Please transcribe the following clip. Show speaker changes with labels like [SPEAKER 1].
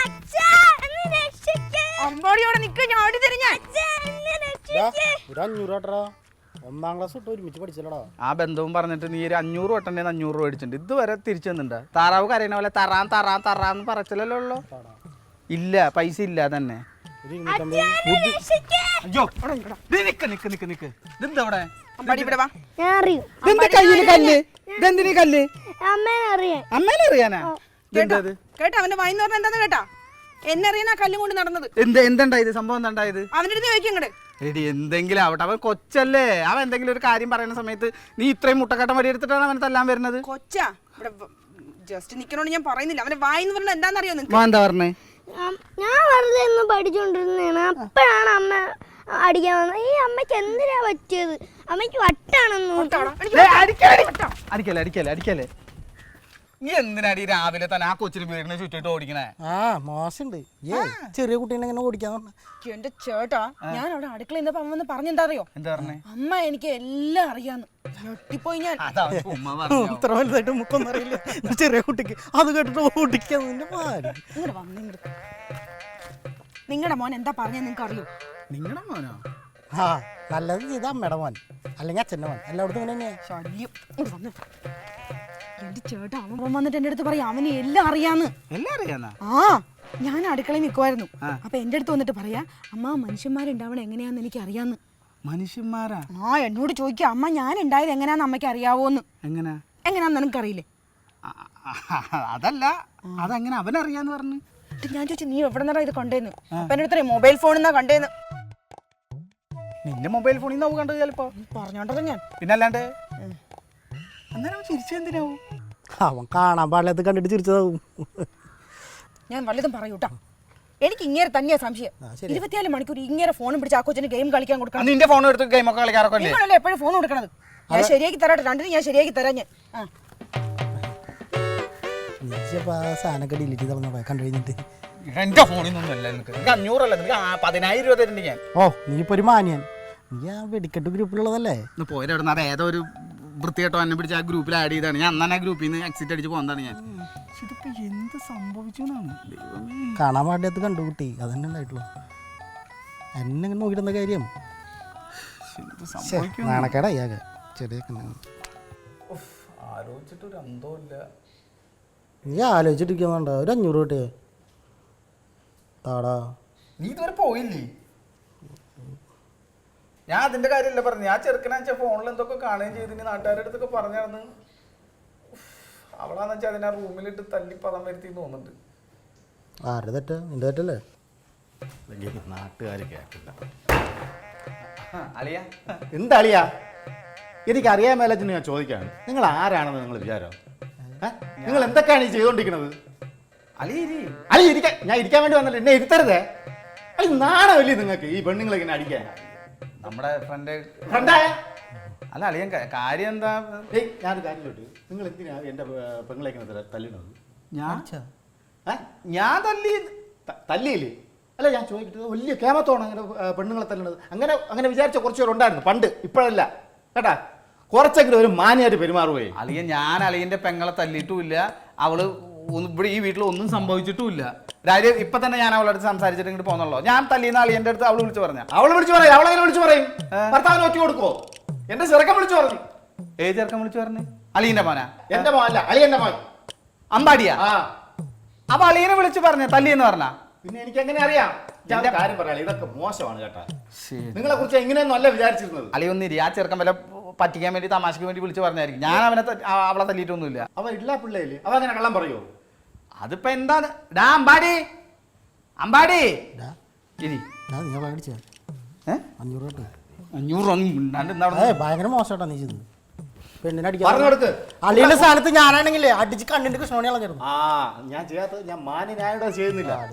[SPEAKER 1] അമ്പാടിയോടെ നിക്ക്, ഞാൻ ഓടി തരും ഞാൻ.
[SPEAKER 2] ഒരു 500 ഒന്നാം ക്ലാസ് തൊട്ട് ഒരുമിച്ച് പഠിച്ചല്ലടാ.
[SPEAKER 3] ആ ബന്ധവും പറഞ്ഞിട്ട് നീ ഒരു 500 വട്ടണ്ടേ 500 രൂപ മേടിച്ചിട്ടുണ്ട്. ഇതുവരെ തിരിച്ചു തന്നിട്ടുണ്ടാ? താറാവ് കരയണ പോലെ തറാന്ന് പറച്ചില്ലല്ലോ ഉള്ളു. ഇല്ല, പൈസ ഇല്ല തന്നെ. അയ്യോ നിക്ക് ഇതെന്താ ഇവിടെ?
[SPEAKER 1] അമ്പാടി ഇവിടെ വാ.
[SPEAKER 3] ഇതെന്താ കയ്യില് കല്ല്? ഇതെന്തിനീ കല്ല്? അമ്മേനെ അറിയാനാ?
[SPEAKER 1] കേട്ടാ അവന്റെ വായിന്ന് പറഞ്ഞ എന്താന്ന് കേട്ടാ? എന്നെ അറിയാനാ കല്ലും കൊണ്ട് നടന്നത്.
[SPEAKER 3] എന്തുണ്ടായത്? സംഭവം എന്താണ്ടായത്?
[SPEAKER 1] അവന്റെ അടുത്ത് ചോദിക്കും ഇങ്ങട്.
[SPEAKER 3] എടി എന്തെങ്കിലും ആവട്ടെ, അവൻ കൊച്ചല്ലേ. അവൻ എന്തെങ്കിലും ഒരു കാര്യം പറയുന്ന സമയത്ത് നീ ഇത്രയും മുട്ടക്കട്ടം വടി എടുത്തിട്ടാണ് അവനെ തല്ലാൻ വരുന്നത്.
[SPEAKER 1] കൊച്ചാ ഇവിടെ ജസ്റ്റ് നിക്കണോണ്ട് ഞാൻ പറയുന്നില്ല. അവന്റെ വായിന്ന് പറഞ്ഞ എന്താന്നറിയോ നിനക്ക്?
[SPEAKER 3] എന്താ പറഞ്ഞേ?
[SPEAKER 4] ഞാൻ വെറുതെ ഒന്ന് പഠിച്ചോണ്ടിരുന്നതാണ്. അപ്പോഴാണ് അമ്മ അടിക്കാൻ വന്നത്. ഈ അമ്മയ്ക്ക് എന്തിനാ പറ്റിയത്? അമ്മയ്ക്ക് വട്ടാണെന്ന്.
[SPEAKER 3] അടിക്കല്ലേ നീ എന്തിനാടി രാവിലെ തന്നെ ആ കൊച്ചിന് വീടിനെ ചുറ്റിട്ട് ഓടിക്കണേ?
[SPEAKER 2] മോശമുണ്ട്. ചെറിയ കുട്ടീനെ എങ്ങനെ ഓടിക്കാന്ന് പറഞ്ഞ
[SPEAKER 1] എന്റെ ചേട്ടാ, ഞാൻ അവിടെ അടുക്കള ഇന്നപ്പോ അമ്മ വന്ന് പറഞ്ഞെന്താ അറിയോ?
[SPEAKER 3] എന്താ പറഞ്ഞേ?
[SPEAKER 1] അമ്മ എനിക്ക് എല്ലാം അറിയാന്ന്. ഞെട്ടിപ്പോയി ഞാൻ.
[SPEAKER 2] ഇത്ര വലുതായിട്ട് മുക്കൊന്നും അറിയില്ല ചെറിയ കുട്ടിക്ക്. അത് കേട്ടിട്ട് ഓടിക്കാന്ന്.
[SPEAKER 1] നിങ്ങളുടെ മോൻ എന്താ പറഞ്ഞ നിങ്ങക്ക് അറിയോ?
[SPEAKER 3] നിങ്ങളുടെ മോനോ?
[SPEAKER 2] നല്ലത് ചെയ്ത അമ്മയുടെ മോൻ, അല്ലെങ്കിൽ അച്ഛൻ്റെ മോൻ. എല്ലായിടത്തും ഇങ്ങനെ തന്നെയാ.
[SPEAKER 1] ശല്യം. എന്റെ ചേട്ടാ, അവൻ വന്നിട്ട് എന്റെ അടുത്ത് പറയാം അവന് എല്ലാം അറിയാന്ന്.
[SPEAKER 3] എല്ലാം അറിയാന്നാ?
[SPEAKER 1] ഞാൻ അടുക്കളയിൽ നിൽക്കുമായിരുന്നു. അപ്പൊ എന്റെ അടുത്ത് വന്നിട്ട് പറയാ, അമ്മ മനുഷ്യന്മാരുണ്ടാവണ എങ്ങനെയാന്ന് എനിക്ക് അറിയാന്ന്.
[SPEAKER 3] മനുഷ്യന്മാരാ?
[SPEAKER 1] എന്നോട് ചോദിക്കുക, അമ്മ ഞാൻ ഉണ്ടായത് എങ്ങനെയാന്ന് അമ്മയ്ക്ക് അറിയാവോന്ന്. എങ്ങനെയാന്ന് നിനക്കറിയില്ലേ?
[SPEAKER 3] അതല്ല, അതെങ്ങനെ അവനറിയാന്ന് പറഞ്ഞു.
[SPEAKER 1] ഞാൻ ചോദിച്ചു, നീ എവിടെ നിന്നാ ഇത് കണ്ടേന്ന്? അപ്പൊ എന്റെ അടുത്ത് മൊബൈൽ ഫോണിന്നാ കണ്ടേന്ന്.
[SPEAKER 3] നിന്റെ മൊബൈൽ ഫോണിൽ നിന്ന് കണ്ടത് ചിലപ്പോ.
[SPEAKER 1] പറഞ്ഞോണ്ടല്ലോ ഞാൻ.
[SPEAKER 3] പിന്നല്ലാണ്ട് അന്നേരം ചിരിച്ചെന്തിനാവും?
[SPEAKER 2] അവൻ കാണാൻ പാടില്ലാത്ത കണ്ടിട്ട് ചിരിച്ചതാവും.
[SPEAKER 1] ഞാൻ വല്ലതും പറയൂട്ടാ. എനിക്ക് ഇങ്ങനെ തന്നെയാ സംശയം. 24 മണിക്കൂർ ഇങ്ങനെ ഫോണും പിടിച്ച് ആ കൊച്ചിന് ഗെയിം കളിക്കാൻ കൊടുക്കണം.
[SPEAKER 3] നിന്റെ ഫോൺ എടുത്ത് ഗെയിം ഒക്കെ കളിക്കാറൊക്കെ
[SPEAKER 1] നിങ്ങളല്ലേ എപ്പോഴും ഫോൺ കൊടുക്കണത്? ഞാൻ ശരിയാക്കി തരാട്ടെ, രണ്ടിനും ഞാൻ ശരിയാക്കി തരാം. ഞാൻ
[SPEAKER 2] സാധനമൊക്കെ ഡിലീറ്റ് ചെയ്ത് കണ്ടു കഴിഞ്ഞിട്ട്.
[SPEAKER 3] എന്റെ ഫോണിൽ നിന്നൊന്നുമല്ല. നിനക്ക് 500 അല്ല, നിനക്ക് 10,000 രൂപ തരുന്നുണ്ട് ഞാൻ.
[SPEAKER 2] നീ ഇപ്പൊ ഒരു മാനിയൻ. നീ ആ വെടിക്കെട്ട് ഗ്രൂപ്പിലുള്ളതല്ലേ?
[SPEAKER 3] പോയിടുന്ന അത് ഏതോ ഒരു വൃത്തിയായിട്ടോ എന്നെ പിടിച്ച് ആ ഗ്രൂപ്പിൽ ആഡ് ചെയ്താണ്. ഞാൻ അന്നാണ് ആ ഗ്രൂപ്പിൽ നിന്ന് എക്സിറ്റ് അടിച്ച് പോകുന്നതാണ് ഞാൻ. ഇതിപ്പോ എന്ത് സംഭവിച്ചു എന്നാണ്
[SPEAKER 2] കാണാൻ പാടിയത് കണ്ടു കുട്ടി. അതന്നെ ഉണ്ടായിട്ടുള്ളൂ. എന്നെ ഇങ്ങനെ നോക്കിയിരുന്ന കാര്യം നാണക്കേടായി ആകെ. ചെറിയ
[SPEAKER 3] ആലോചിച്ചിട്ടൊരു അന്തമില്ല.
[SPEAKER 2] നീ ആലോചിച്ചിട്ടിരിക്കുന്നുണ്ടോ? ഒരു 500 കിട്ടിയേ താടാ.
[SPEAKER 3] നീ ഇതുവരെ പോയില്ലേ? ഞാൻ അതിന്റെ കാര്യമല്ല പറഞ്ഞു. ഞാൻ ചെറുക്കനാച്ച ഫോണിൽ എന്തൊക്കെ കാണുകയും ചെയ്തിന് നാട്ടുകാരുടെ അടുത്തൊക്കെ പറഞ്ഞായിരുന്നു. അവളാന്ന് വെച്ചാൽ അതിനെ റൂമിലിട്ട് തല്ലി പദം വരുത്തി തോന്നുന്നുണ്ട്.
[SPEAKER 2] ആരുടെ തെറ്റാ? നിന്റെ തെറ്റല്ലേ?
[SPEAKER 5] നാട്ടുകാർ കേട്ടില്ല.
[SPEAKER 3] അളിയ
[SPEAKER 5] എന്താ അളിയ? എനിക്കറിയാൻ മേലച്ചെന്ന് ഞാൻ ചോദിക്കാണ്. നിങ്ങൾ ആരാണെന്ന് നിങ്ങൾ വിചാരം? നിങ്ങൾ എന്തൊക്കെയാണ് ഈ ചെയ്തോണ്ടിരിക്കുന്നത്? അളി ഇരിക്കാൻ ഞാൻ ഇരിക്കാൻ വേണ്ടി വന്നല്ലോ. എന്നെ ഇരുത്തരുതേ. അളി നാണമില്ലേ നിങ്ങൾക്ക് ഈ പെണ്ണുങ്ങളെ ഇങ്ങനെ അടിക്കാൻ?
[SPEAKER 3] നമ്മുടെ
[SPEAKER 5] ഫ്രണ്ടായ
[SPEAKER 3] അല്ല അളിയൻ കാര്യം എന്താ?
[SPEAKER 5] ഞാനൊരു കാര്യം ചോദിച്ചു, നിങ്ങൾ എന്തിനാ എന്റെ പെങ്ങളെ ഇങ്ങനെ തല്ലിണത്?
[SPEAKER 3] ഞാൻ
[SPEAKER 5] തല്ലിയില്ലേ? അല്ല ഞാൻ ചോദിക്കുന്നത്, വലിയ കേമത്തോണം അങ്ങനെ പെണ്ണുങ്ങളെ തല്ലുന്നത്. അങ്ങനെ വിചാരിച്ച കുറച്ച് പേരുണ്ടായിരുന്നു പണ്ട്, ഇപ്പോഴല്ല കേട്ടാ. കുറച്ചെങ്കിലും ഒരു മാന്യമായിട്ട് പെരുമാറുകയെ.
[SPEAKER 3] അളിയൻ ഞാൻ അളിയന്റെ പെങ്ങളെ തല്ലിയിട്ടുമില്ല. അവള് ഇവിടെ ഈ വീട്ടിൽ ഒന്നും സംഭവിച്ചിട്ടുമില്ല. കാര്യം ഇപ്പൊ തന്നെ ഞാൻ അവളുടെ അടുത്ത് സംസാരിച്ചിട്ട് ഇങ്ങോട്ട് പോന്നല്ലോ. ഞാൻ തല്ലിയെന്ന അളിയന്റെ അടുത്ത് അവള് വിളിച്ചു പറഞ്ഞ.
[SPEAKER 5] അവളെ വിളിച്ചു പറയും. അവളെങ്ങനെ വിളിച്ചു പറയും? ഭർത്താവിന് ഒറ്റ കൊടുക്കോ? എന്റെ ചെറുക്കൻ വിളിച്ചു പറഞ്ഞു.
[SPEAKER 3] ഏത് ചെറുക്കൻ വിളിച്ചു പറഞ്ഞു? അളിയന്റെ മോനാ?
[SPEAKER 5] എന്റെ മോൻ അല്ല, അളിയന്റെ മോൻ.
[SPEAKER 3] അമ്പാടിയാ? അപ്പൊ അളിയനെ വിളിച്ചു പറഞ്ഞ തല്ലിയെന്ന് പറഞ്ഞ?
[SPEAKER 5] പിന്നെ എനിക്ക് എങ്ങനെ അറിയാം? കാര്യം പറയാം, ഇതൊക്കെ മോശമാണ് കേട്ടാ. നിങ്ങളെ കുറിച്ച് എങ്ങനെയൊന്നും അല്ല വിചാരിച്ചിരുന്നത്.
[SPEAKER 3] അളിയൊന്നിരി, ആ ചെറുക്കൻ വല്ല പറ്റിക്കാൻ വേണ്ടി തമാശക്ക് വേണ്ടി വിളിച്ചു പറഞ്ഞായിരിക്കും. ഞാൻ അവളെ തല്ലിയിട്ടൊന്നുമില്ല.
[SPEAKER 5] അവ ഇല്ല പിള്ളേല് അവ അങ്ങനെ കള്ളം പറയോ?
[SPEAKER 3] അതിപ്പോ എന്താണ്? അമ്പാടി അമ്പാടി ഇരി.
[SPEAKER 2] 500 ഭയങ്കര മോശമായിട്ടാ നീ ചെയ്തത്. പെണ്ണിനെ
[SPEAKER 5] പറഞ്ഞു കൊടുക്ക്.
[SPEAKER 2] അളിയുടെ സ്ഥാനത്ത് ഞാനാണെങ്കിലേ അടിച്ച് കണ്ണിന്റെ കൃഷ്ണമണി കളഞ്ഞിരുന്നു.
[SPEAKER 5] ഞാൻ ചെയ്യാത്തത് ഞാൻ മാന്യനായോടെ ചെയ്യുന്നില്ല.